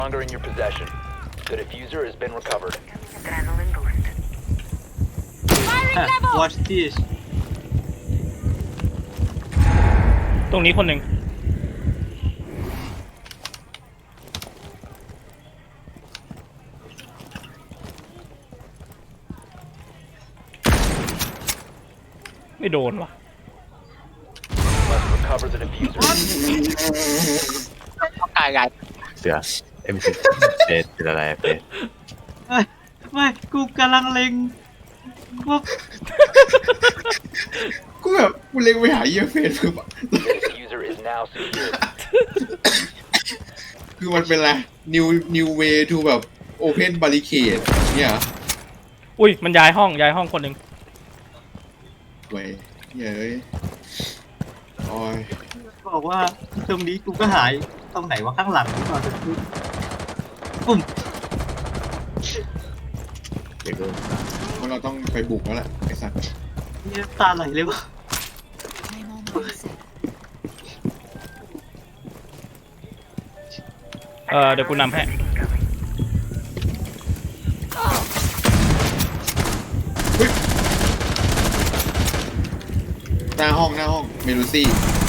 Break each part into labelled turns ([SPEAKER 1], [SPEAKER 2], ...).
[SPEAKER 1] longer in your possession. The diffuser has been recovered.
[SPEAKER 2] Adrenaline boost. Firing level.
[SPEAKER 3] Watch this
[SPEAKER 4] ตรงนี้คนหนึ่งไม่โดนว่ะ
[SPEAKER 1] Must recover the diffuser.
[SPEAKER 5] ตายใหญ่
[SPEAKER 6] เสือเอ็มซีเป็นอะไรเป็น
[SPEAKER 3] ไม่กูกำลังเล็งว่า
[SPEAKER 7] กูแบบกูเล็งไปหาเยี่ยเฟซคือแบบ
[SPEAKER 1] The diffuser is now secured.
[SPEAKER 7] คือมันเป็นอะไร new way to แบบ open barricade เนี่ยเหรอ
[SPEAKER 4] อุ้ยมันย้ายห้องคนหนึ่ง
[SPEAKER 7] เว้ยเฮ้ยโอ้ย
[SPEAKER 3] บอกว่าตรงนี้กูก็หายตรงไหนว่าข้างหลังกูก่อนจะพูดปุ่ม
[SPEAKER 6] เดี๋ยวดู
[SPEAKER 7] ว่าเราต้องไปบุกแล้วแหละไอ้สัตว์
[SPEAKER 3] เนี่ยตาไหลเลยวะ
[SPEAKER 4] เดี๋ยวกูนำให้
[SPEAKER 7] หน้าห้องเมลูซี่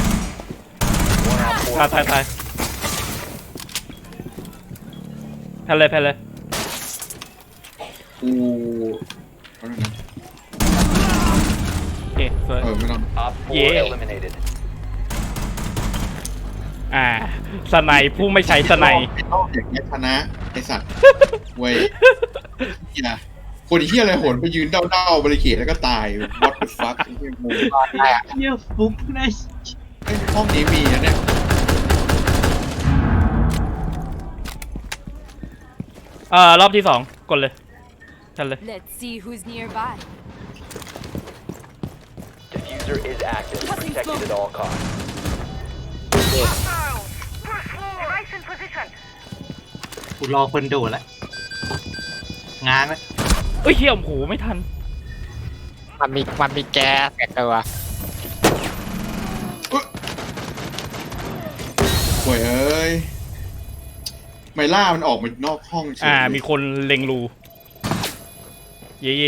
[SPEAKER 1] One op 4
[SPEAKER 4] ตายแพ้เลย
[SPEAKER 7] กูเอาหน่อยนะ
[SPEAKER 4] โอเคสวย
[SPEAKER 7] ไม่ต้อง
[SPEAKER 1] Op 4
[SPEAKER 4] Yeah.
[SPEAKER 1] eliminated.
[SPEAKER 4] สไนป์ผู้ไม่ใช้สไนป์
[SPEAKER 7] ไม่ต้องอย่างเงี้ยชนะไอ้สัตว์เว้ยเหี้ยคนเฮียอะไรโหนไปยืนเด้าบริเกตแล้วก็ตาย what the fuck ไอ้เหี้ยงง
[SPEAKER 3] เนี่ยฟุกใน
[SPEAKER 7] เอ้ยห้องนี้มีนะเนี่ย
[SPEAKER 4] รอบที่2กดเลยชันเลย
[SPEAKER 2] Let's see who's nearby.
[SPEAKER 1] Diffuser is active. Protected at all costs.
[SPEAKER 2] Device in position.
[SPEAKER 3] กูรอคนโดดแล้วงานแล้ว
[SPEAKER 4] เอ้ยเฮียโอ้โหไม่ทัน
[SPEAKER 5] มันมีแก๊สแตกตัว
[SPEAKER 7] โว้ยเอ้ยไมล่ามันออกมานอกห้องเฉย
[SPEAKER 4] มีคนเล็งรูเย่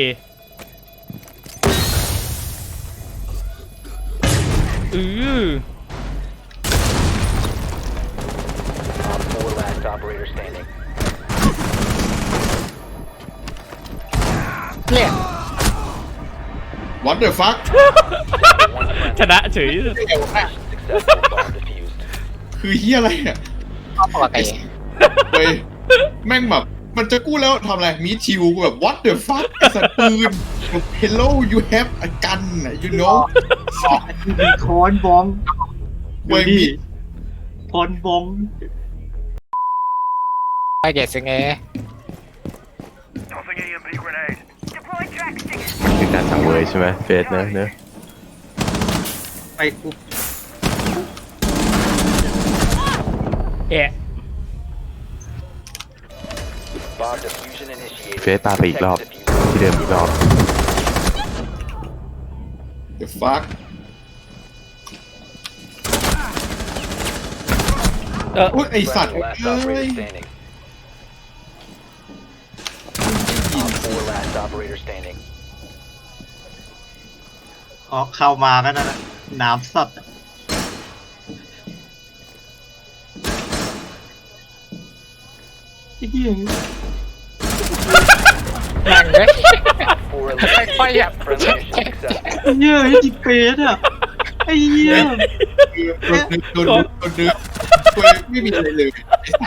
[SPEAKER 1] Op 4 last operator standing.
[SPEAKER 5] เนี่ย
[SPEAKER 7] what the fuck
[SPEAKER 1] One
[SPEAKER 4] ชนะเฉย
[SPEAKER 1] successful bomb defused.
[SPEAKER 7] คือเฮียอะไรเนี่ย
[SPEAKER 5] ปกติ
[SPEAKER 7] เว้ยแม่งแบบมันจะกู้แล้วทำอะไรมีชิวกูแบบ what the fuck ไอ้สัตว์ปืน hello you have a gun you know
[SPEAKER 3] มีคอนบอง
[SPEAKER 7] เว้ย
[SPEAKER 3] ดู
[SPEAKER 7] มี
[SPEAKER 3] ดิคอนบอง
[SPEAKER 5] ไปเกตซิงเอ
[SPEAKER 2] Deploy track stick.
[SPEAKER 6] คือการสั่งเวยใช่ไหมเฟสเนอะ
[SPEAKER 3] ไปกู
[SPEAKER 1] Bomb diffusion initiated.
[SPEAKER 6] เฟสปาไปอีกรอบ
[SPEAKER 1] Protect the diffuser.
[SPEAKER 6] ที่เดิมอีกรอบ
[SPEAKER 7] the fuck อุ๊ยไอสัตว์
[SPEAKER 1] Friendly last
[SPEAKER 7] เอ้ย
[SPEAKER 1] operator standing. Op 4 last operator standing.
[SPEAKER 3] อ๋อเข้ามาก็นั่นแหละน้ำสัตว์ไอ้เหี้ย
[SPEAKER 5] แม่งเลย
[SPEAKER 1] 4
[SPEAKER 5] ค่อยๆ
[SPEAKER 1] eliminated. Friendly mission successful.
[SPEAKER 3] ไอ้เหี้ยไอ้จิเปสอ่ะไอ้เหี้ย
[SPEAKER 7] โดนนึกเว้ยไม่มีอะไรเลย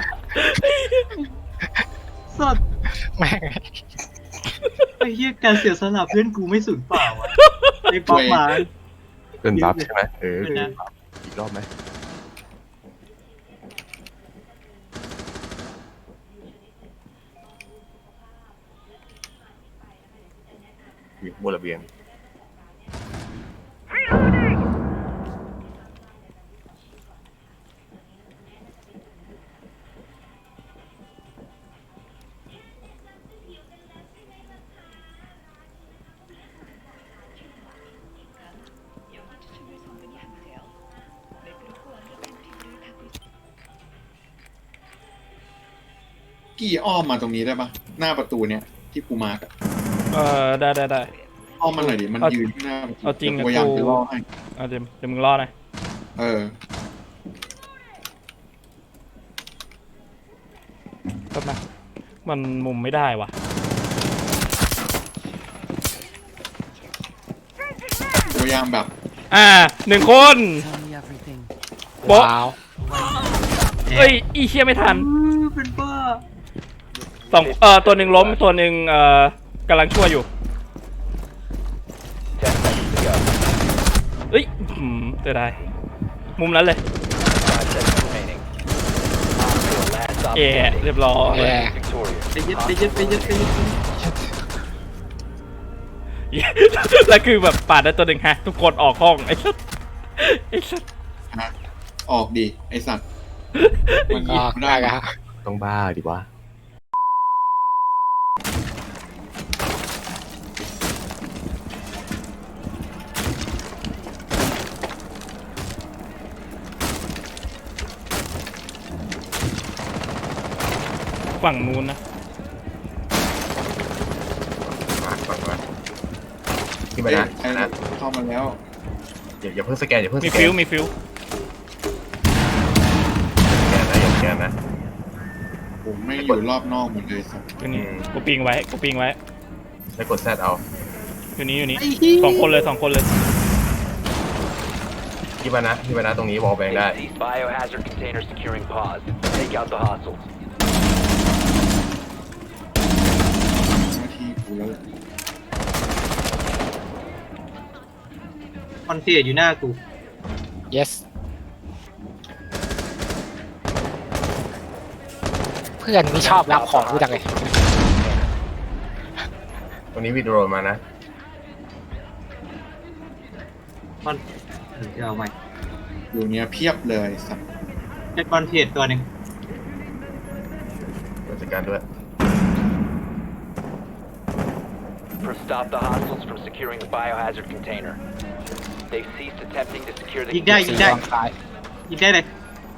[SPEAKER 7] ไอ้สัตว์
[SPEAKER 3] สัตว์
[SPEAKER 5] แม่ง
[SPEAKER 3] ไอ้เหี้ยการเสียสละเพื่อนกูไม่สูญเปล่าอ่ะไอ้ป๊อปมา
[SPEAKER 6] เป็นบัฟใช่ไหม
[SPEAKER 3] เออ
[SPEAKER 6] อีกรอบไหมอยู่บนระเบียง
[SPEAKER 7] กี้อ้อมมาตรงนี้ได้ปะหน้าประตูเนี่ยที่กูมาร์กอะ
[SPEAKER 4] ได้
[SPEAKER 7] อ้อมมาหน่อยดิมัน
[SPEAKER 4] เอา
[SPEAKER 7] ยืนข้างหน้าประตู
[SPEAKER 4] เอาจริง
[SPEAKER 7] ดี๋
[SPEAKER 4] อะ
[SPEAKER 7] ยวกูพยายาม
[SPEAKER 4] กู
[SPEAKER 7] จะล่อให้
[SPEAKER 4] เดี๋ยวมึงรอหน่อย
[SPEAKER 7] เออ
[SPEAKER 4] แป๊บนะมันมุมไม่ได้ว่ะ
[SPEAKER 7] กูพยายามแบบ
[SPEAKER 4] 1 คนโป๊ะ
[SPEAKER 5] ว้าว
[SPEAKER 4] เอ้ยอีเชี่ยไม่ทัน
[SPEAKER 3] เป็นบ้า
[SPEAKER 4] ตัวหนึ่งล้มตัวหนึ่งกำลังช่วยอยู่
[SPEAKER 1] 10 seconds to go.
[SPEAKER 4] เอ้ยเสียดายมุมนั้นเลย
[SPEAKER 1] 5 seconds remaining. Op 4 last stop
[SPEAKER 4] เย่
[SPEAKER 1] standing.
[SPEAKER 4] เรียบร้อย
[SPEAKER 1] Friendly is victorious.
[SPEAKER 3] ไปยึด
[SPEAKER 4] แล้วคือแบบปาดได้ตัวหนึ่งฮะทุกคนออกห้องไอ้สัส
[SPEAKER 7] ฮะออกดิไอสัตว์มัน
[SPEAKER 5] ก็
[SPEAKER 7] ยิงไม่ได้
[SPEAKER 5] ได้
[SPEAKER 7] นะ
[SPEAKER 5] ครับ
[SPEAKER 6] ต้องบ้าดิวะ
[SPEAKER 4] ฝั่งนู้นนะ
[SPEAKER 6] มาก่อนมาที่มา
[SPEAKER 7] เอ้ย
[SPEAKER 6] นะ
[SPEAKER 7] ใคร
[SPEAKER 6] นะ
[SPEAKER 7] เข้ามาแล้ว
[SPEAKER 6] อย่าเพิ่งสแกนอย่าเพิ่ง
[SPEAKER 4] มี
[SPEAKER 6] สแก
[SPEAKER 4] ฟิ
[SPEAKER 6] น
[SPEAKER 4] วมีฟิว
[SPEAKER 6] อย่าสแกนนะ
[SPEAKER 7] ผมไม่อยู่รอบนอกหมดเลยสัตว์
[SPEAKER 4] อยู่นี่กูปิงไว้
[SPEAKER 6] แล้วกดแซดเอา
[SPEAKER 4] อยู่นี่สองคนเลย
[SPEAKER 6] ที่มานะตรงนี้วอลแบงได้
[SPEAKER 1] They ceased biohazard container securing pods. Take out the hostiles.
[SPEAKER 7] หน้าที่กูแล้ว
[SPEAKER 3] คอนเทนต์อยู่หน้ากู
[SPEAKER 5] yes เพื่อนนี่ชอบรับของกูจังเลย
[SPEAKER 6] ตรงนี้วิดีโอมานะ
[SPEAKER 3] คอนจะเอาใหม่
[SPEAKER 7] อยู่เนี้ยเพียบเลยสัตว์
[SPEAKER 3] เป็นคอนเทนต์ตัวหนึ่ง
[SPEAKER 6] กดจัดการด้วย
[SPEAKER 1] Stop the hostiles from securing the biohazard container. They've ceased attempting to secure the
[SPEAKER 3] ยิงได้
[SPEAKER 5] สีทางซ้าย
[SPEAKER 3] ยิงได้เลย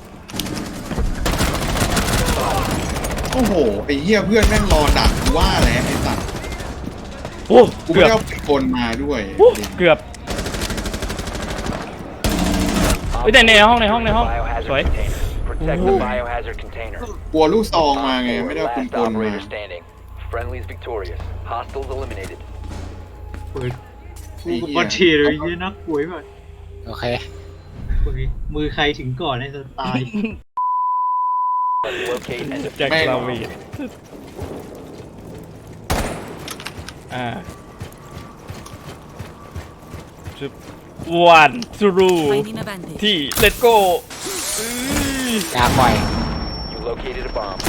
[SPEAKER 7] โอ้โหไอ้เหี้ยเพื่อนแม่งรอดักกูว่าแล้วไอ้สัตว์
[SPEAKER 4] โอ้
[SPEAKER 7] กู
[SPEAKER 4] เกื
[SPEAKER 7] ไม่
[SPEAKER 4] อบ
[SPEAKER 7] ได้เอาปืนกลมาด้วย
[SPEAKER 4] เกือบ
[SPEAKER 1] Op
[SPEAKER 4] เฮ้ยแต่ในห้อง
[SPEAKER 1] biohazard
[SPEAKER 4] สวย
[SPEAKER 1] container. Protect the biohazard container.
[SPEAKER 7] กลัวลูกซองมาไง
[SPEAKER 1] Op 4
[SPEAKER 7] ไม่ได้เอาปืน
[SPEAKER 1] last
[SPEAKER 7] กลมา
[SPEAKER 1] operator standing. Friendly's victorious. Hostiles eliminated.
[SPEAKER 3] กูคอนเทนต์เลยยี่นักป่วยแบบ
[SPEAKER 5] โอเค
[SPEAKER 3] มือใครถึงก่อนในสไตล์
[SPEAKER 1] Locate and
[SPEAKER 4] แจ็ค
[SPEAKER 7] แม่ง
[SPEAKER 4] ลาวีจุบวันทรู
[SPEAKER 2] Finding a bandage.
[SPEAKER 4] ที่ let's go
[SPEAKER 5] ยากบ่อย
[SPEAKER 1] you located a bomb.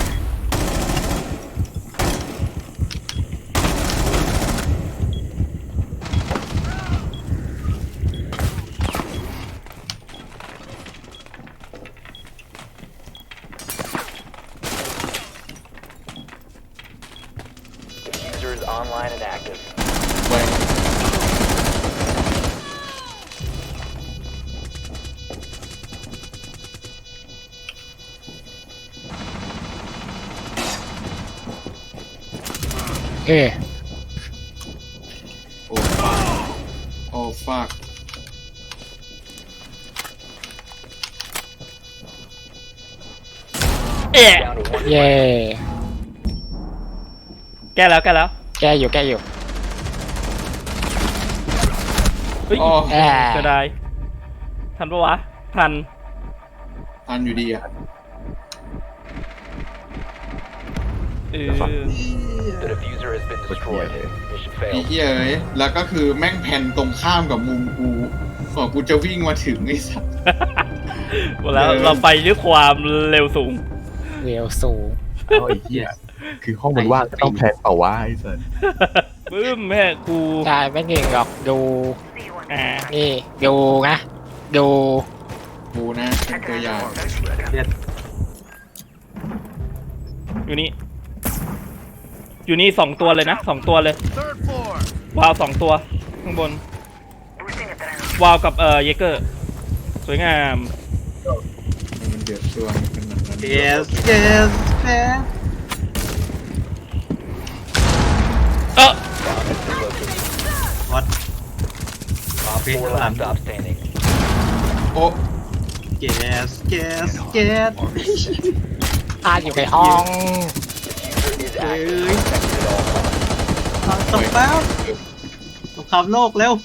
[SPEAKER 1] Diffuser is online and active.
[SPEAKER 7] ไว้
[SPEAKER 5] เอ้ย
[SPEAKER 7] โอ้ฟากโอ้ฟาก
[SPEAKER 4] เอ๊ะ
[SPEAKER 1] Down to one
[SPEAKER 5] เย่
[SPEAKER 4] แก้แล้ว
[SPEAKER 5] แก้อยู่
[SPEAKER 4] เฮ้ย
[SPEAKER 7] อ๋อ
[SPEAKER 5] แอบ
[SPEAKER 4] จะได้ทันปะวะ ทัน
[SPEAKER 7] ทันอยู่ดีอ่ะ
[SPEAKER 1] The diffuser has been destroyed. Mission
[SPEAKER 7] ไอ้
[SPEAKER 1] failed.
[SPEAKER 7] เหี้ยเอ้ยแล้วก็คือแม่งแผ่นตรงข้ามกับมุมกูบอกกูจะวิ่งมาถึงไอ้สัตว์
[SPEAKER 4] หมดแล้วเราไปด้วยความเร็วสูง
[SPEAKER 5] เร็วสูง
[SPEAKER 6] เอาไอ้เหี้ยคือห้องมันว่างก็ต้องแพลนเปล่าวะไอ้สัส
[SPEAKER 4] ปึ้มแม่กู
[SPEAKER 5] ได้ไม่เก่งหรอกดู
[SPEAKER 4] อ่า
[SPEAKER 5] นี่ดูนะดู
[SPEAKER 7] กูนะเป็นตัวอย่าง
[SPEAKER 4] อยู่นี่2 ตัวเลยนะ2 ตัวเลย วาว2 ตัวข้างบน วาวกับเยเกอร์สวยงาม
[SPEAKER 7] มันเดือดตัวมันเป็นแบบนั้น
[SPEAKER 3] yes yes yes
[SPEAKER 4] เออ
[SPEAKER 3] วัด
[SPEAKER 1] Op 4 last stop standing.
[SPEAKER 7] โอ้
[SPEAKER 3] แก๊สแก๊สแก๊ส
[SPEAKER 5] อยู่ในห้อง
[SPEAKER 1] Diffuser is active. Protected at all costs.
[SPEAKER 3] ตบแป๊บสงครามโลกเร็ว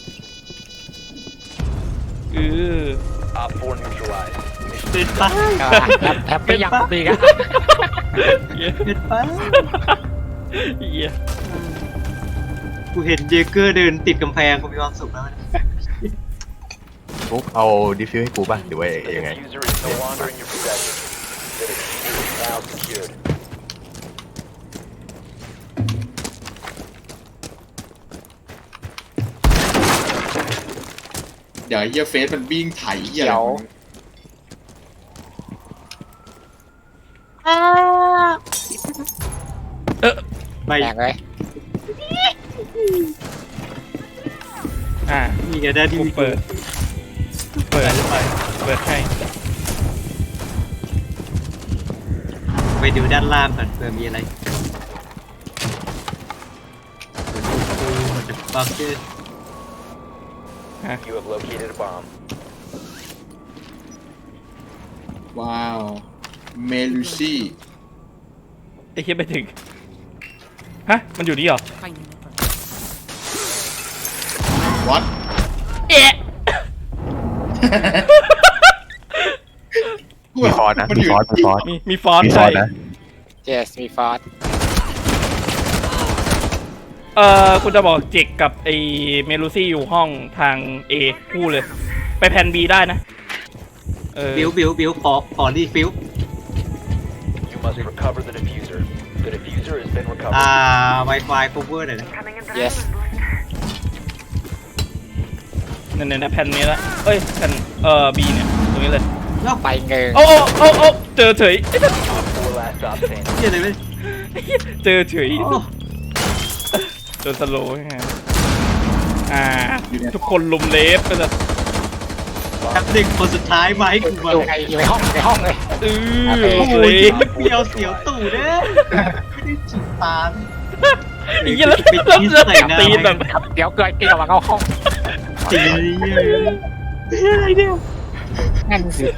[SPEAKER 4] เออ
[SPEAKER 1] Op 4 neutralized.
[SPEAKER 3] เป็นไป
[SPEAKER 5] แฮปปี้ยังดีกัน
[SPEAKER 3] เป็นไป
[SPEAKER 4] เหี้ย
[SPEAKER 3] กูเห็นเยเกอร์เดินติดกำแพงกูมีความสุขแล้ว
[SPEAKER 6] ฟุกเอาดิฟิวให้กูป่ะหรือว่า
[SPEAKER 1] The
[SPEAKER 6] ยังไง
[SPEAKER 1] diffuser is no longer in your possession. The diffuser is now secured.
[SPEAKER 7] เดี๋ยวไอ้เฮียเฟสมันบิ้งไถเฮีย
[SPEAKER 5] เดี๋ยว
[SPEAKER 3] ไป
[SPEAKER 5] แตกเลย
[SPEAKER 4] อ่า
[SPEAKER 3] มีกันได้ที่
[SPEAKER 4] กู
[SPEAKER 3] มี
[SPEAKER 4] เปิดเปิดให้
[SPEAKER 3] ไปดูด้านล่างก่อนเผื่อมีอะไรมันจะบักเกอร์
[SPEAKER 1] You have located a bomb.
[SPEAKER 7] ว้าวเมลูซี่
[SPEAKER 4] ไอ้เหี้ยไปถึงฮะมันอยู่นี่เหรอ
[SPEAKER 7] วัด
[SPEAKER 4] เอ๊ะ
[SPEAKER 6] มีฟอสนะ
[SPEAKER 7] มัน
[SPEAKER 6] มี
[SPEAKER 7] อยู่
[SPEAKER 6] ฟอสมีฟอส
[SPEAKER 4] มีฟอน
[SPEAKER 6] มี
[SPEAKER 4] ต์
[SPEAKER 6] ฟอ
[SPEAKER 4] ใช่
[SPEAKER 6] สนะ
[SPEAKER 5] yes มีฟอส
[SPEAKER 4] คุณจะบอกเจกกับไอ้เมลูซี่อยู่ห้องทาง A คู่เลย ไปแพน B ได้นะ
[SPEAKER 3] บิวขอรีฟิว
[SPEAKER 1] You must recover the diffuser. The diffuser has been recovered.
[SPEAKER 3] Wi-Fi cover หน่อยนะ
[SPEAKER 2] Coming in the
[SPEAKER 5] yes
[SPEAKER 4] เนี่ยแผ่นนี้ละเอ้ยแผ่นB เนี่ยตรงนี้เลย
[SPEAKER 5] ไปเงิน
[SPEAKER 4] โอ้เจอเฉยไอ้สัส
[SPEAKER 1] Op 4 last stop standing.
[SPEAKER 3] เฮียอะไรไม่
[SPEAKER 4] เจอเฉย
[SPEAKER 3] โอ้
[SPEAKER 4] โดนสโลว์ไงทุกคนลุมเลฟก็จะ
[SPEAKER 3] ครับเด็กคนสุดท้ายมาให้กูมา
[SPEAKER 5] อยู่ในห้องเลย
[SPEAKER 4] เออ
[SPEAKER 3] โอ้โห
[SPEAKER 4] เล
[SPEAKER 3] ยิ
[SPEAKER 4] ฟ
[SPEAKER 3] งเปรี้ยวเสียวตู่เด้ไม่ได้ฉีดตา
[SPEAKER 4] ไอ้เหี้ยแล้ว
[SPEAKER 3] ไปชี้ใส่หน้า
[SPEAKER 4] ตีนแบบ
[SPEAKER 5] เดี๋ยวเกิดกินออกมาเข้าห้อง
[SPEAKER 3] ตีอะไรเนี่ย
[SPEAKER 5] นั่นสิ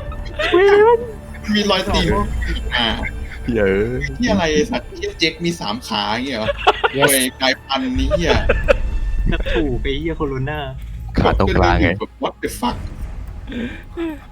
[SPEAKER 7] มีรอยตีน
[SPEAKER 6] เยอะ
[SPEAKER 7] ที่อะไรสัตว์ที่เจ็กมี3 ขาอย่างเงี้ยเหรอโอ้ยกลายพันธุ์นี้เฮีย
[SPEAKER 3] กระถูไปเฮียโคโรนา
[SPEAKER 6] ขาตรงกลางไง
[SPEAKER 7] แบบ what the fuck